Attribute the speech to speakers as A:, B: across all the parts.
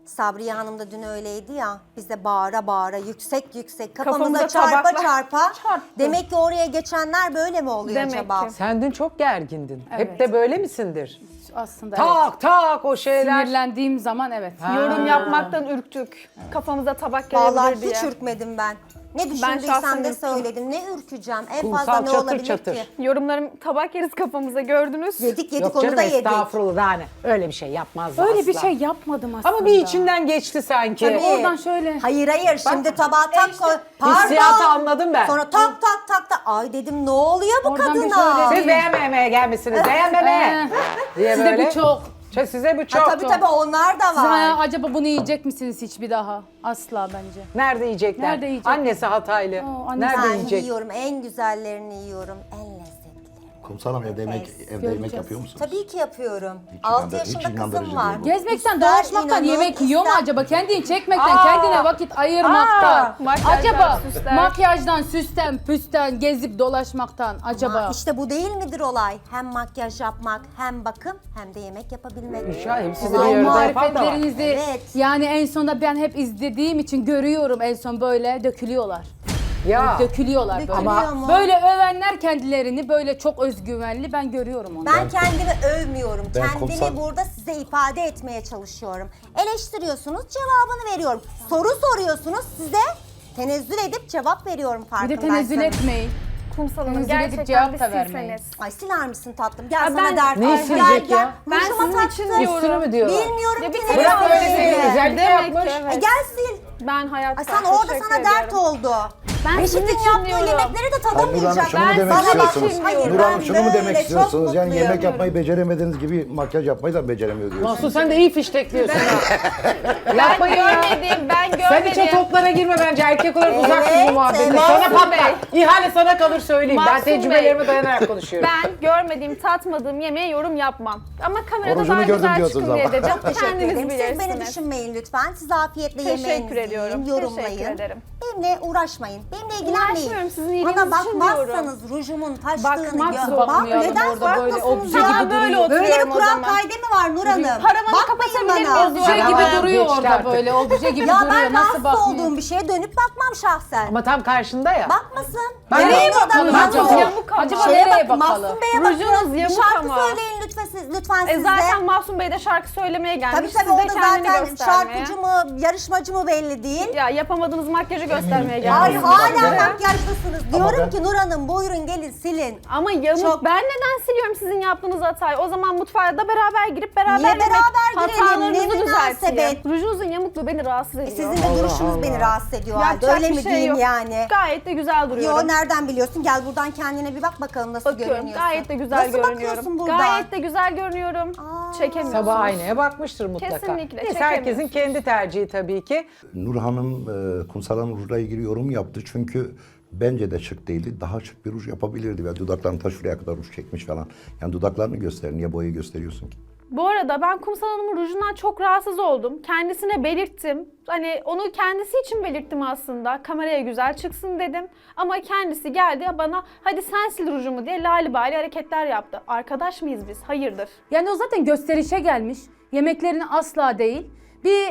A: Sabriye Hanım da dün öyleydi ya. Biz de bağıra bağıra yüksek yüksek kafamıza
B: Kafamıza
A: çarpa
B: tabakla
A: çarpa.
B: çarptı.
A: Demek ki oraya geçenler böyle mi oluyor
B: Demek
A: acaba?
B: ki.
C: Sen dün çok gergindin. Hep
D: Evet.
C: de böyle misindir?
D: Aslında evet.
C: Tak tak o şeyler.
D: Sinirlendiğim zaman evet.
B: Yorum yapmaktan ürktük. Kafamıza tabak
A: Vallahi
B: gelebilir diye.
A: hiç ürkmedim ben. Ne
B: şahsen
A: düşündüysem de
B: ürktüm.
A: söyledim. Ne ürkeceğim? En
C: Kumsal
A: fazla ne
C: çatır
A: olabilir
C: çatır.
A: ki?
B: Yorumlarım tabak yeriz kafamıza gördünüz.
A: Yedik
C: Yok
A: onu
C: canım
A: da yedik.
C: estağfurullah yani. Öyle bir şey yapmazdı
D: Öyle
C: asla.
D: bir şey yapmadım aslında.
C: Ama bir içinden geçti sanki.
A: Tabii.
D: Oradan şöyle.
A: Hayır şimdi tabağa tak koy.
C: Hissiyatı anladım ben.
A: Sonra tak tak tak tak. Ay dedim ne oluyor bu
D: Oradan bir
A: kadına?
D: şöyle
C: Siz beğenmemeye gelmişsiniz. Beğenmeme. Diye
D: Size
C: böyle.
D: bu çok.
C: Size bu çok.
A: Ha, tabii onlar da
D: Siz
A: var.
D: acaba bunu yiyecek misiniz hiçbir daha? Asla bence.
C: Nerede yiyecekler?
D: Nerede yiyecekler?
C: Annesi Hataylı.
D: Oo, annesi-
C: Nerede
A: Ben
C: yiyecek?
A: yiyorum. En güzellerini yiyorum. En lezzetlilerini.
E: Kumsalım evde yemek
D: göreceğiz.
E: yapıyor musunuz?
A: Tabii ki yapıyorum.
E: Hiç
A: 6
E: hiç
A: yaşında
E: inandırıcı
A: kızım var.
E: değil bu.
D: Gezmekten,
A: İster
D: dolaşmaktan
A: inanın,
D: yemek yiyor mu
A: ister-
D: acaba? Kendini çekmekten, kendine vakit ayırmaktan.
B: makyajdan,
D: Acaba
B: süsler.
D: makyajdan, süsten, püsten, gezip dolaşmaktan acaba?
A: Ama işte bu değil midir olay? Hem makyaj yapmak, hem bakım, hem de yemek yapabilmek.
C: Şahim siz de
D: Ay,
C: bir yerde yapan da var.
D: marifetlerinizi
A: Evet.
D: yani en sonunda ben hep izlediğim için görüyorum en son böyle dökülüyorlar.
C: Ya.
D: Dökülüyorlar böyle.
A: Dökülüyor mu?
D: Böyle övenler kendilerini böyle çok özgüvenli ben görüyorum onu.
A: Ben kendimi övmüyorum.
E: Ben
A: Kendimi
E: kumsal-
A: burada size ifade etmeye çalışıyorum. Eleştiriyorsunuz, cevabını veriyorum. Soru soruyorsunuz, size tenezzül edip cevap veriyorum
D: Bir de
A: farkındaysanız.
D: tenezzül etmeyin.
B: Kumsal Hanım
D: Tenezzül edip
B: gerçekten
D: cevap
B: bir
D: da vermeyin.
B: silseniz.
A: Ay siler misin tatlım? Gel
B: Ya
A: sana
B: ben-
A: dert.
C: Neyi
A: Ay,
C: silecek ya?
B: Ben
A: Rujuma
B: sizin
A: taktın.
B: için diyorum.
C: Üstünü mü diyorlar?
A: Bilmiyorum
B: Ya
A: ki
B: bir
A: nereye
C: Bırak öyle
A: alıyorsun
C: şeyi,
A: diye.
C: güzel de
B: Demek
C: yapmış.
B: ki evet.
A: Gel sil.
B: Ben hayatta
A: Ay sen orada
B: teşekkür
A: sana dert
B: ediyorum.
A: oldu.
B: Ben
A: Reşit'in
B: sizin için
A: yaptığı
B: diyorum.
A: yemekleri de
E: Hayır, Nur Hanım
A: tadamayacak.
E: şunu mu
B: Ben
E: demek
B: sana
E: istiyorsunuz?
B: bakayım
A: Hayır,
E: Nur Hanım
A: ben
E: şunu mu demek
A: böyle
E: istiyorsunuz?
A: çok
E: Yani
A: mutluyum.
E: yemek yapmayı beceremediğiniz gibi makyaj yapmayı da beceremiyor diyorsunuz.
C: Mahsun sen de iyi fiştekliyorsun ha. Yapmayın ya.
B: Ben
C: Sen hiç o
B: görmedim.
C: toplara girme bence. Erkek olarak uzak dur
A: Evet,
C: bu muhabbete.
A: evet.
C: Sana
B: Mahsun
C: patlar.
B: Bey.
C: İhale sana kalır söyleyeyim. Ben
B: Mahsun
C: tecrübelerime
B: Bey.
C: dayanarak konuşuyorum.
B: Ben görmediğim, tatmadığım yemeğe yorum yapmam. Ama kamerada
E: Orucunu
B: daha
E: gördüm
B: güzel
E: diyorsunuz
B: çıkın diye
E: ama.
B: dedim.
A: Teşekkür
B: Kendiniz
A: ederim. Siz beni
B: bilirsiniz.
A: düşünmeyin lütfen. Siz afiyetle
B: Teşekkür
A: yemeğinizi
B: ediyorum.
A: yiyin, yorumlayın.
B: Teşekkür ederim.
A: Benimle uğraşmayın. Benimle ilgilenmeyin.
B: Uğraşmıyorum, sizin iyiliğiniz
A: Bana
B: için
A: bakmazsanız rujumun taştığını
B: Bakmak
A: gör.
B: zor.
A: Bak
D: Bakmayalım
A: neden
D: orada böyle
A: bakmasınız
D: obje
A: ya?
D: gibi
B: böyle
D: duruyor.
A: Böyle
B: oturuyorum
A: bir
B: o
A: kural
B: zaman.
A: kaydı mı var Nur Hanım?
B: Paravanı
A: Bakmayın
B: kapatabilir
A: bana.
B: miyiz?
D: Obje gibi
C: Paravan
D: duruyor
C: geçti
D: orada
C: artık.
D: böyle. Obje gibi
A: Ya
D: duruyor.
A: ben
D: Nasıl
A: rahatsız
D: bakmıyor?
A: olduğum bir şeye dönüp bakmam şahsen.
C: Ama tam karşında ya.
A: Bakmasın.
C: Ben
A: Nereye
C: de-
A: bakalım?
D: Bakalım acaba.
A: Bakın.
B: Yamuk ama.
D: Acaba
A: Şeye
D: nereye
A: bakın,
D: bakalım?
A: Mahsun Bey'e
B: Rujunuz
A: bakın. Bir
B: yamuk
A: şarkı
B: ama.
A: söyleyin lütfen siz de.
B: Zaten Mahsun Bey de şarkı söylemeye gelmiş.
A: Tabii
B: Siz
A: tabii o
B: de
A: da
B: kendini
A: zaten
B: göstermeye.
A: şarkıcı mı, yarışmacı mı belli değil.
B: Ya yapamadığınız makyajı göstermeye
A: Ay
B: geldiniz.
A: hala
E: Evet.
A: makyajlısınız.
E: Ama
A: Diyorum
E: ben-
A: ki Nur Hanım buyurun gelin silin.
B: Ama yamuk.
A: Çok-
B: Ben neden siliyorum sizin yaptığınız hatayı? O zaman mutfağa da beraber girip beraber
A: Niye
B: yemek,
A: beraber girelim?
B: hatalarınızı
A: Ne
B: düzelteyim.
A: münasebet?
B: Rujunuzun yamukluğu beni rahatsız ediyor.
A: Sizin de duruşunuz beni rahatsız ediyor halde.
B: Yapacak
A: Öyle
B: bir
A: mi
B: şey
A: diyeyim
B: yok.
A: yani?
B: Gayet de güzel duruyorum.
A: Yo nereden biliyorsun? Gel buradan kendine bir bak bakalım nasıl
B: Bakıyorum.
A: görünüyorsun.
B: Gayet de güzel
A: nasıl
B: görünüyorum.
A: bakıyorsun burada?
B: Gayet de güzel görünüyorum. Çekemiyorsunuz.
C: Sabah aynaya bakmıştır mutlaka.
B: Kesinlikle,
C: Neyse,
B: çekemiyorsunuz.
C: herkesin kendi tercihi tabii ki.
E: Nur Hanım Kumsal Hanım rujla ilgili yorum yaptı çünkü bence de şık değildi. Daha şık bir ruj yapabilirdi ve dudaklarını ta şuraya kadar ruj çekmiş falan. Yani dudaklarını göster, niye boyayı gösteriyorsun ki?
B: Bu arada ben Kumsal Hanım'ın rujundan çok rahatsız oldum. Kendisine belirttim. Hani onu kendisi için belirttim aslında. Kameraya güzel çıksın dedim. Ama kendisi geldi bana hadi sen sil rujumu diye lalibali hareketler yaptı. Arkadaş mıyız biz? Hayırdır?
D: Yani o zaten gösterişe gelmiş. Yemeklerini asla değil. Bir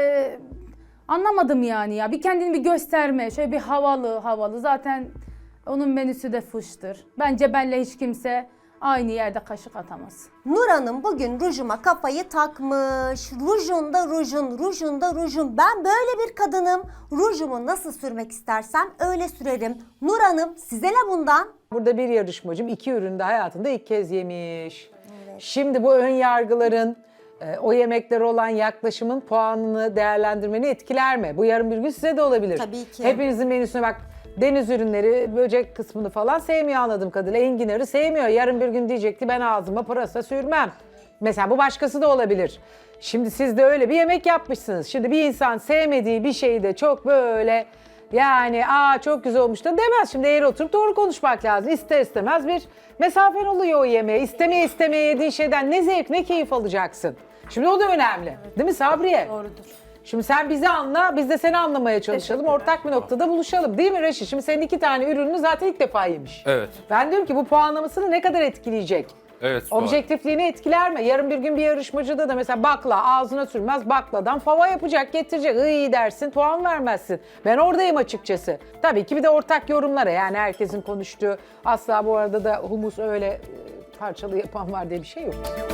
D: anlamadım yani ya. Bir kendini bir gösterme. Şöyle bir havalı. Zaten onun menüsü de fıştır. Bence benle hiç kimse aynı yerde kaşık atamaz.
A: Nur Hanım bugün rujuma kafayı takmış. Rujunda rujun. Ben böyle bir kadınım. Rujumu nasıl sürmek istersem öyle sürerim. Nur Hanım size ne bundan?
C: Burada bir yarışmacım 2 ürünü de hayatında ilk kez yemiş. Şimdi bu ön yargıların, o yemeklere olan yaklaşımın puanını değerlendirmeni etkiler mi? Bu yarın bir gün size de olabilir.
A: Tabii ki.
C: Hepinizin menüsüne bak. Deniz ürünleri, böcek kısmını falan sevmiyor anladığım kadarıyla. Enginarı sevmiyor. Yarın bir gün diyecek ki ben ağzıma pırasa sürmem. Mesela bu başkası da olabilir. Şimdi siz de öyle bir yemek yapmışsınız. Şimdi bir insan sevmediği bir şeyi de çok böyle yani çok güzel olmuş da demez. Şimdi eğri oturup doğru konuşmak lazım. İster istemez bir mesafen oluyor o yemeğe. İstemeye yediğin şeyden ne zevk ne keyif alacaksın. Şimdi o da önemli. Değil mi Sabriye?
D: Doğrudur.
C: Şimdi sen bizi anla, biz de seni anlamaya çalışalım. Ortak bir noktada buluşalım. Değil mi Reşit? Şimdi senin 2 tane ürününü zaten ilk defa yemiş.
F: Evet.
C: Ben diyorum ki bu puanlamasını ne kadar etkileyecek?
F: Evet, Zuhal.
C: Objektifliğini etkiler mi? Yarın bir gün bir yarışmacıda da mesela bakla ağzına sürmez, bakladan fava yapacak, getirecek. İyi dersin, puan vermezsin. Ben oradayım açıkçası. Tabii ki bir de ortak yorumlara, yani herkesin konuştuğu, asla bu arada da humus öyle parçalı yapan var diye bir şey yok.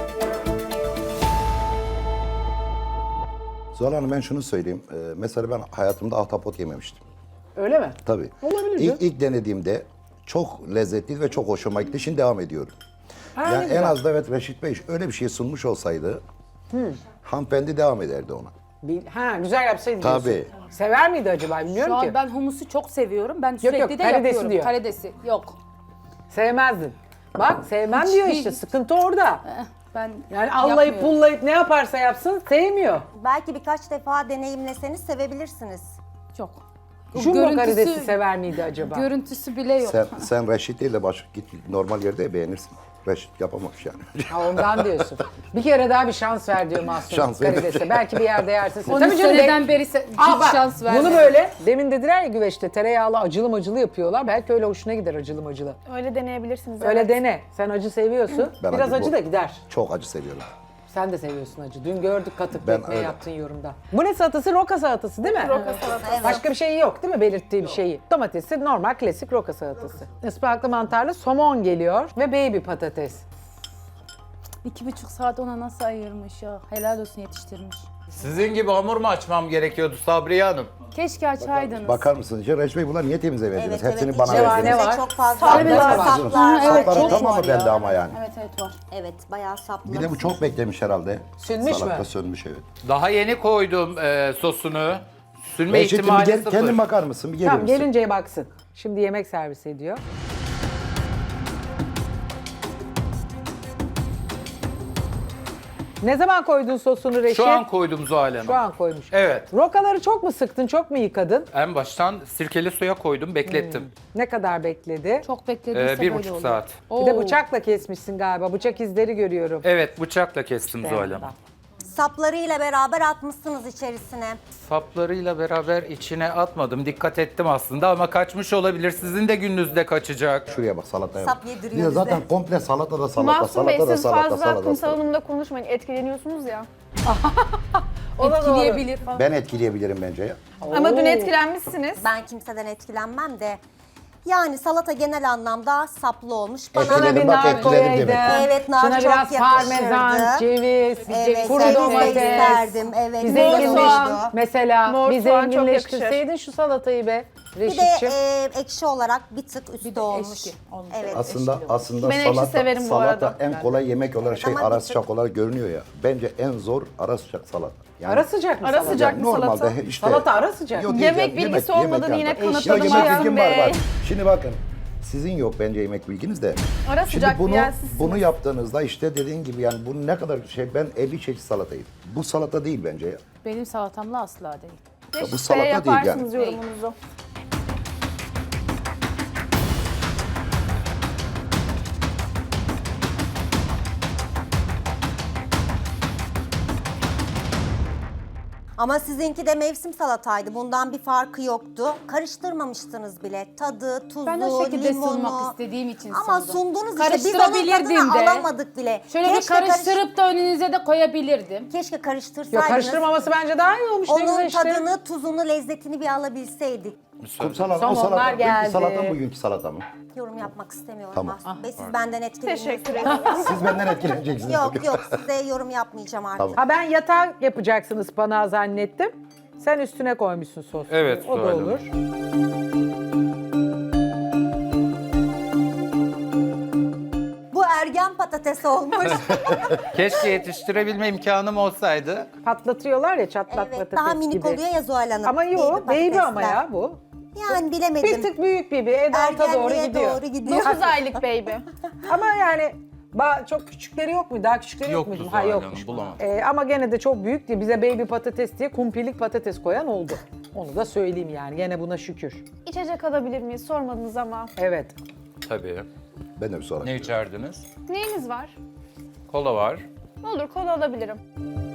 E: Zuhal Hanım, ben şunu söyleyeyim. Mesela ben hayatımda ahtapot yememiştim.
C: Öyle mi?
E: Tabii.
C: Olabilir
E: İlk denediğimde çok lezzetli ve çok hoşuma gitti. Şimdi devam ediyorum.
C: Ha,
E: Yani
C: ne
E: en
C: güzel.
E: az da evet, Reşit Bey öyle bir şey sunmuş olsaydı hanımefendi devam ederdi ona.
C: Ha, güzel yapsaydı diyorsun.
E: Tabii.
C: Sever miydi acaba bilmiyorum
D: Şu
C: ki.
D: an ben humusu çok seviyorum. Ben sürekli
C: yok,
D: de
C: karidesi
D: yapıyorum.
C: diyor.
D: Karidesi. Yok.
C: Sevmezdin. Bak sevmem
D: Hiç
C: diyor
D: değil.
C: işte, sıkıntı orada.
D: Ben
C: Yani allayıp
D: yapmıyorum.
C: pullayıp ne yaparsa yapsın sevmiyor.
A: Belki birkaç defa deneyimleseniz sevebilirsiniz.
D: Çok. O
C: Jumbo karidesi sever miydi acaba?
D: Görüntüsü bile yok.
E: Sen Reşit değil de başka git normal yerde beğenirsin. Reşit yapamamış yani.
C: Ha, ondan diyorsun. Bir kere daha bir şans ver diyor Mahsun
E: Şans ver.
C: karidese. Belki bir yerde yersin.
D: Onu
C: Tabii canım,
D: seneden beri
C: Aa, bak,
D: şans vermedim.
C: bunu böyle demin dediler ya güveçte tereyağlı acılı macılı yapıyorlar. Belki öyle hoşuna gider acılı macılı.
B: Öyle deneyebilirsiniz.
C: Öyle
B: evet.
C: dene. Sen acı seviyorsun.
E: Ben
C: Biraz acı
E: bu-
C: da gider.
E: Çok acı seviyorum.
C: Sen de seviyorsun acı. Dün gördük katık
E: Ben
C: ekmeği
E: öyle.
C: yaptığın yorumda. Bu ne salatası? Roka salatası değil mi?
B: Roka salatası.
C: Başka bir şey yok değil mi belirttiği bir şeyi? Domatesi normal klasik roka salatası. Ispanaklı mantarlı somon geliyor ve baby patates.
D: 2,5 saat ona nasıl ayırmış ya. Helal olsun yetiştirmiş.
F: Sizin gibi hamur mu açmam gerekiyordu Sabriye Hanım?
D: Keşke açaydınız.
E: Bakar mısınız? Reşit Bey, bunlar niye temizlemediniz?
A: Evet,
E: Hepsini
A: evet.
E: bana
C: Ne var,
A: içerisinde
C: ne var?
A: çok fazla
C: Saplar
A: saplar,
C: var.
A: saplar,
D: Evet,
E: Sapların
D: çok
E: tamamı
D: var ya.
E: bende ama yani.
D: Evet evet var.
A: Evet, bayağı saplı.
E: Bir de bu çok beklemiş herhalde.
C: Sönmüş
E: Salatta
C: mü?
E: sönmüş, evet.
F: Daha yeni koydum sosunu. Sünme
E: Reşit'im, bir
F: ihtimali
E: gel,
F: sıfır.
E: kendin bakar mısın? Bir gelir
C: Tamam
E: misin?
C: gelince baksın. Şimdi yemek servis ediyor. Ne zaman koydun sosunu Reşit?
F: Şu an koydum Zuhal Hanım.
C: Şu an koymuş.
F: Evet.
C: Rokaları çok mu sıktın, çok mu yıkadın?
F: En baştan sirkeli suya koydum, beklettim.
C: Ne kadar bekledi?
D: Çok beklediyse böyle
F: 1,5
D: olur.
F: saat.
C: Bir de bıçakla kesmişsin galiba. Bıçak izleri görüyorum.
F: Evet, bıçakla kestim Zuhal Hanım.
A: Saplarıyla beraber atmışsınız içerisine.
F: Saplarıyla beraber içine atmadım. Dikkat ettim aslında ama kaçmış olabilir. Sizin de gününüzde kaçacak.
E: Şuraya bak, salataya
A: Sap
E: bak.
A: yediriyor
E: Bir de
A: bize.
E: zaten komple salata da salata,
B: Mahsun Bey
E: salata da
B: siz
E: salata,
B: fazla
E: salata da
B: kumsal
E: salata.
B: hanımla konuşmayın. Etkileniyorsunuz ya.
C: O da doğru.
D: Etkileyebilir falan.
E: Ben etkileyebilirim bence ya.
B: Ama dün etkilenmişsiniz.
A: Ben kimseden etkilenmem de. Yani salata genel anlamda saplı olmuş.
C: Şuna
E: Etkiledim,
C: bir
E: bak,
C: nar
E: etkiledim
C: koyaydın.
E: demek.
A: Evet, nar
C: Şuna
A: çok
C: biraz
A: yakışırdı.
C: parmesan, ceviz,
A: Evet,
C: kuru
A: ceviz de
C: domates.
A: isterdim. Evet,
C: Bir
A: güzel
C: zenginleş,
A: olurdu.
C: mesela
B: Mor
C: bir
B: soğan çok
C: zenginleştirseydin şu salatayı be
A: Bir de
C: Reşit'ciğim.
A: ekşi olarak bir tık üstü olmuş.
D: eşki olmuş.
A: Evet.
E: Aslında
B: Ben ekşi
E: salata,
B: severim bu
E: salata
B: arada.
E: en kolay yemek olarak
A: ama
E: ara
A: bir
E: sıcak olarak görünüyor ya. Bence en zor ara sıcak salata. Yani
C: Ara sıcak mı
B: Ara
C: salata?
B: sıcak mı
E: normalde
B: salata?
E: işte
C: Salata ara sıcak.
E: Yok,
B: Yemek bilgisi olmadan yine
E: Yok,
B: kanıtladı
E: yemek
B: Mahsun
E: bilgim var,
B: Bey.
E: var. Şimdi bakın, sizin yok bence yemek bilginiz de.
B: Ara
E: Şimdi
B: sıcak
E: bunu
B: bir yer sizsiniz.
E: bunu yaptığınızda işte dediğin gibi yani bu ne kadar şey, ben 50 çeşit salata yedim. Bu salata değil bence ya.
D: Benim salatamla asla değil.
E: bu
B: Reşit
E: salata
B: Bey
E: değil yani.
B: yaparsınız yorumunuzu.
A: Ama sizinki de mevsim salataydı. Bundan bir farkı yoktu. Karıştırmamıştınız bile. Tadı, tuzu,
D: Ben o şekilde
A: limonu.
D: sunmak istediğim için
A: Ama
D: sundum.
A: sundunuz işte. Biz onun
D: Karıştırabilirdim
A: tadını
D: de.
A: alamadık bile.
D: Şöyle bir karıştırıp da önünüze de koyabilirdim.
A: Keşke
C: Yok,
A: karıştırsaydınız.
C: karıştırmaması bence daha iyi olmuş. Ne güzel
A: Onun
C: işte.
A: tadını, tuzunu, lezzetini bir alabilseydik.
E: Kumsal Hanım, o
C: Somonlar
E: salata
C: geldi.
E: bugünkü salata mı, bugünkü salata mı?
A: Yorum yapmak istemiyorum
E: Tamam.
A: Mahsun Bey. Siz benden etkileniyorsunuz.
B: Teşekkür ederim.
E: Siz benden etkileneceksiniz.
A: Yok yok, size yorum yapmayacağım artık.
E: Tamam.
C: Ha ben yatağı yapacaksın ıspanağı zannettim. Sen üstüne koymuşsun sosu.
F: Evet,
C: O da
F: Zuhal
C: olur.
A: Bu ergen patates olmuş.
F: Keşke yetiştirebilme imkanım olsaydı.
C: Patlatıyorlar ya çatlak
A: Evet,
C: patates
A: daha minik
C: gibi.
A: oluyor ya Zuhal Hanım.
C: Ama yok baby ama
A: patatesler.
C: ya bu.
A: Yani bilemedim.
C: Bir tık büyük baby. Edalta doğru
A: Ergenliğe
C: gidiyor.
A: doğru gidiyor.
B: 9 aylık baby.
C: Ama yani çok küçükleri yok mu? Daha küçükleri yok
F: Yoktu
C: muydu?
F: Zuhal Hanım,
C: yokmuş.
F: bulamadım.
C: Ama gene de çok büyük diye bize baby patates diye kumpilik patates koyan oldu. Onu da söyleyeyim yani. Gene buna şükür.
B: İçecek alabilir miyiz? Sormadınız ama.
C: Evet.
F: Tabii.
E: Ben de bir sonra.
F: Ne içerdiniz?
B: Neyiniz var?
F: Kola var.
B: Olur kola alabilirim.